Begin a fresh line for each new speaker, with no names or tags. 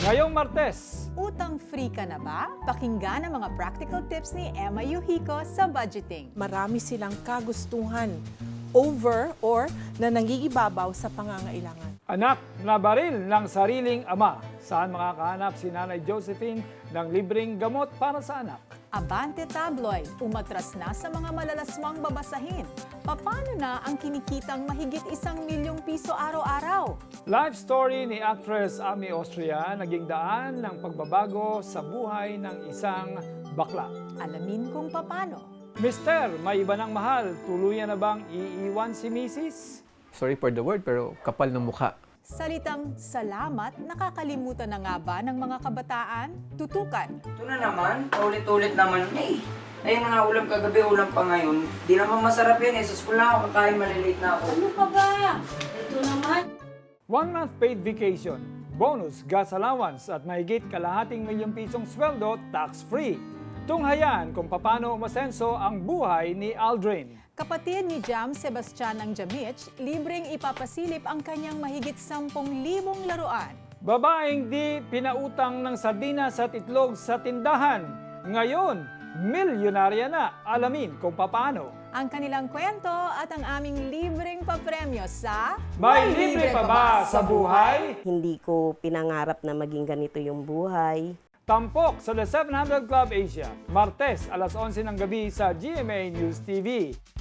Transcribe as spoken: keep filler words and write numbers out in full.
Ngayong Martes,
Utang-free ka na ba? Pakinggan ang mga practical tips ni Emma Yuhiko sa budgeting.
Marami silang kagustuhan over or na nangigibabaw sa pangangailangan.
anak na baril ng sariling ama. Saan makakahanap si Nanay Josephine ng libreng gamot para sa anak?
Abante Tabloid, umatras na sa mga malalaswang babasahin. Paano na ang kinikitang mahigit isang milyong piso araw-araw?
Life story ni actress Ami Austria naging daan ng pagbabago sa buhay ng isang bakla.
Alamin kung paano.
Mister, may iba ng mahal. Tuluyan na bang iiwan si Missus?
Sorry for the word, pero kapal ng mukha.
Salitang salamat, nakakalimutan na nga ba ng mga kabataan? Tutukan.
Ito na naman, paulit-ulit naman na eh. Ayun na nga ulam kagabi, ulam pa ngayon. Di naman masarap yan eh. Sa school na ako kakain, malilate na ako.
Ano ka ba? Ito naman.
One month paid vacation, bonus gas allowance at mahigit kalahating milyong pisong sweldo tax-free. Tunghayan kung paano umasenso ang buhay ni Aldrin.
Kapatid ni Jam Sebastian ng Jamich, libreng ipapasilip ang kanyang mahigit sampung libong laruan.
Babaeng di pinautang ng sardinas at itlog sa tindahan. Ngayon, milyonarya na. Alamin kung paano.
Ang kanilang kwento at ang aming libreng papremyo sa
May libre pa ba sa buhay?
Hindi ko pinangarap na maging ganito yung buhay.
Tampok sa The seven hundred Club Asia, Martes alas onse ng gabi sa G M A News T V.